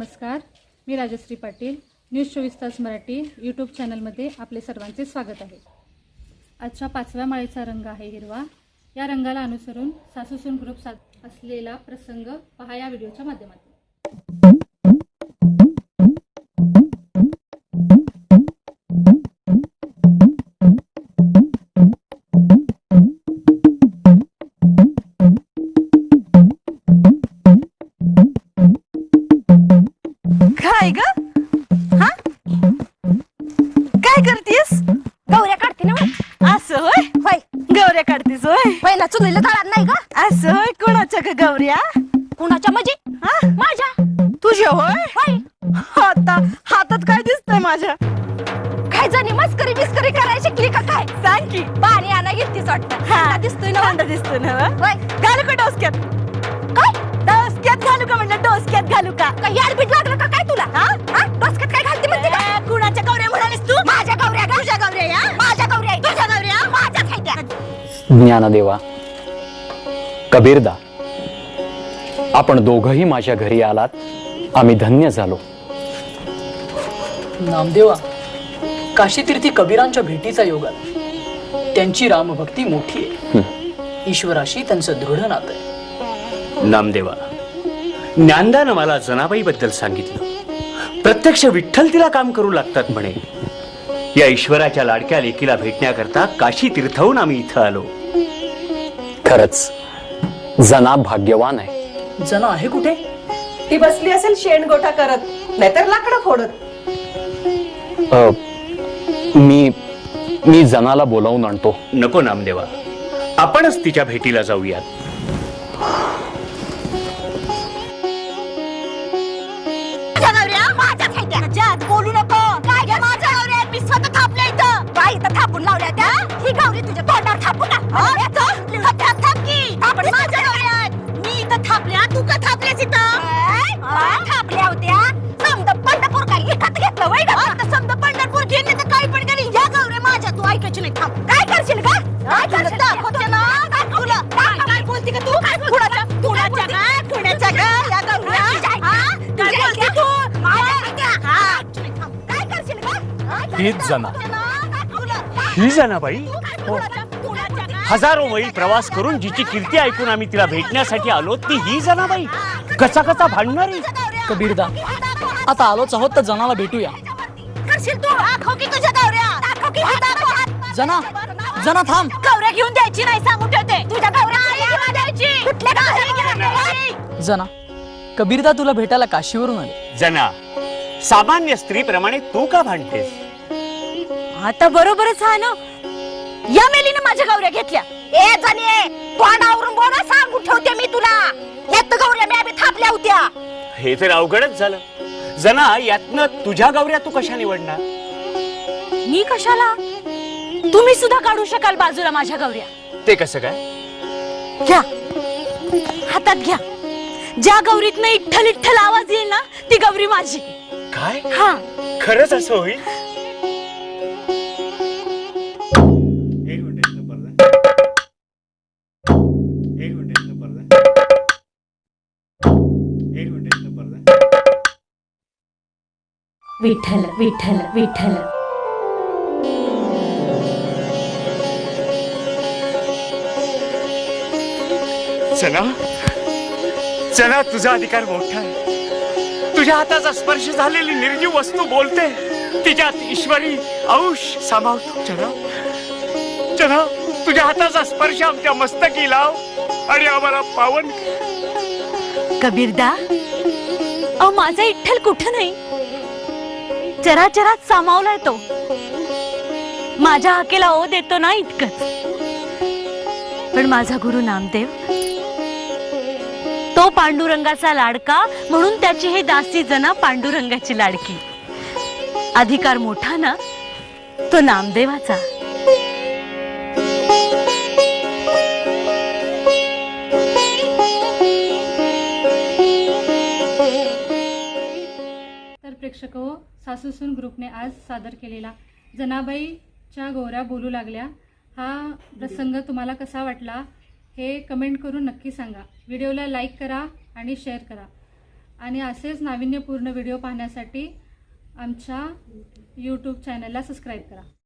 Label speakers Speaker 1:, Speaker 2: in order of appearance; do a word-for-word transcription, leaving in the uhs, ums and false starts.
Speaker 1: नमस्कार, मी राजश्री पाटील. न्यूज चोवीस तास मराठी यूट्यूब चॅनलमध्ये आपले सर्वांचे स्वागत आहे. आजच्या पाचव्या माळेचा रंग आहे हिरवा. या रंगाला अनुसरून सासूसून ग्रुप साथ असलेला प्रसंग पहा या व्हिडिओच्या माध्यमातून.
Speaker 2: काय ग? हा काय करतीस?
Speaker 3: गौऱ्या काढते ना.
Speaker 2: असं होय
Speaker 3: होय
Speaker 2: गौऱ्या काढतीस होय.
Speaker 3: पहिला चुलीला तळात नाही का?
Speaker 2: असं होय. कोणाच्या ग गौऱ्या?
Speaker 3: कुणाच्या म्हणजे?
Speaker 2: हा
Speaker 3: माझ्या.
Speaker 2: तुझ्या होय.
Speaker 3: होय
Speaker 2: आता हातात काय दिसतंय माझ्या?
Speaker 3: काय जाणी मस्करी बिस्करी करायला शिकली का काय?
Speaker 2: सांग की.
Speaker 3: पाणी आणा घेतलीस वाटतं.
Speaker 2: हा
Speaker 3: दिसतोय ना.
Speaker 2: कांदा दिसतोय ना.
Speaker 3: होय
Speaker 2: घालू का डोसक्यात?
Speaker 3: काय
Speaker 2: डोसक्यात घालू का म्हणलं? डोसक्यात घालू का?
Speaker 3: काय याडबीट लागलं का काय तुला? हा हा डोसक्यात काय घालते म्हणते का?
Speaker 2: ए, कुणाच्या गौऱ्या म्हणालीस तू?
Speaker 3: माझ्या गौऱ्या का?
Speaker 2: तुझ्या गौऱ्या या?
Speaker 3: माझ्या गौऱ्या आहेत.
Speaker 2: तुझ्या गौऱ्या?
Speaker 3: माझ्याच आहेत त्या.
Speaker 4: ज्ञानदेवा, कबीरदा, आपण दोघंही माझ्या घरी आलात. आम्ही धन्य झालो.
Speaker 5: नामदेवा, काशीतीर्थी कबीरांच्या भेटीचा योग आला. त्यांची रामभक्ती मोठी आहे. ईश्वराशी त्यांचं दृढ नातं आहे.
Speaker 6: नामदेवा, ज्ञानदानं मला जनाबाईबद्दल सांगितलं. प्रत्यक्ष विठ्ठल तिला काम करू लागतात म्हणे. या ईश्वराच्या लाडक्या लेकीला भेटण्याकरता काशी तीर्थहून आम्ही इथं आलो.
Speaker 4: खरंच जना भाग्यवान आहे.
Speaker 5: जना आहे कुठे?
Speaker 2: ती बसली असेल शेणगोठा करत, नाहीतर लाकडं फोडत.
Speaker 4: अ, मी मी जनाला बोलावून आणतो.
Speaker 6: नको नामदेवा, आपणच तिच्या भेटीला जाऊयात.
Speaker 3: माझ्या गौऱ्या माझ्याच आहेत त्या. जात बोलू नको. काय घ्या माझ्या गौऱ्या आहेत. मी स्वतः थापल्या इथं. काय इथं थापून लावल्या त्या? ही गौरी तुझ्या तोंडावर थापू का? खड्ड्यात थाप की. आपण माझ्या गौऱ्या आहेत. मी इथं थापल्या, तू का थापल्यास इथं? थापल्या होत्या. समद पंढरपूर काय विकत घेतलं वय का? समद पंढरपूर घेतले तर काही पण करी. या गौऱ्या माझ्या तू ऐकायची नाही. थांब. काय करशील का? काय करशील? दाखवते ना. तुला काय काय बोलते का तू? काय कुणाच्या कुणाच्या का? कुणाच्या का? या गौऱ्या. हा? काय बोलते तू? काय करशील का?
Speaker 6: हीच जना. ही जनाबाई हजारो मैल प्रवास करून जिची कीर्ती ऐकून आम्ही तिला भेटण्यासाठी आलो, ती ही जनाबाई कसा कसा भांडणारी.
Speaker 5: कबीरदा, आता आलोच आहोत तर जनाला भेटूया.
Speaker 3: करशील तू? दाखव की तुझ्या गौऱ्या. दाखव की दाखव.
Speaker 5: जना जना थांब.
Speaker 3: गौऱ्या घेऊन द्यायची नाही सांगून ठेवते. तुझ्या गौऱ्या घेऊन द्यायची. कुठल्या गौऱ्या घेऊन द्यायची?
Speaker 5: जना, कबीरदा तुला भेटायला काशीवरून आले.
Speaker 6: जना, सामान्य स्त्रीप्रमाणे तू का भांडतेस?
Speaker 3: आता बरोबरच आहे ना. या मेलीने माझ्या गौऱ्या घेतल्या. ए जाणे, तोंडावरून बोल, सांगून ठेवते मी तुला. यात गौऱ्या मी आम्ही थापल्या होत्या.
Speaker 6: हे तर अवघडच झालं. जना, यातनं तुझ्या गौऱ्या तू कशा निवडणार?
Speaker 3: मी कशाला? तुम्ही सुद्धा काढू शकाल बाजूला माझ्या गौऱ्या.
Speaker 6: ते कसं काय?
Speaker 3: घ्या हातात घ्या. ज्या गौरीतनं इठ्ठल इठ्ठल आवाज येईल ना, ती गौरी माझी.
Speaker 6: काय?
Speaker 3: हा
Speaker 6: खरंच असं होईल?
Speaker 3: विठ्ठल विठ्ठल विठ्ठल.
Speaker 6: जना, जना, तुझा अधिकार मोठा आहे. तुझ्या हाताचा स्पर्श झालेली निर्जीव वस्तू बोलते. तिच्यात ईश्वरी अंश सामावतो. जना, जना, तुझ्या हाताचा स्पर्श आमच्या मस्तकी लाव आणि आम्हाला पावन.
Speaker 3: कबीरदा, अहो माझा इठ्ठल कुठं नाही, चराचरात सामावलाय तो. माझ्या हाकेला ओ देतो ना इतकंच. पण माझा गुरु नामदेव, तो पांडुरंगाचा लाडका, म्हणून त्याची हे दासी जना पांडुरंगाची लाडकी. अधिकार मोठा ना तो नामदेवाचा.
Speaker 1: तर प्रेक्षको, सासूसून ग्रुपने आज सादर केलेला जनाबाईच्या गौऱ्या बोलू लागल्या हा प्रसंग तुम्हाला कसा वाटला हे कमेंट करून नक्की सांगा. व्हिडिओला लाईक करा आणि शेअर करा. आणि असेच नाविन्यपूर्ण व्हिडिओ पाहण्यासाठी आमच्या यूट्यूब चॅनलला सबस्क्राईब करा.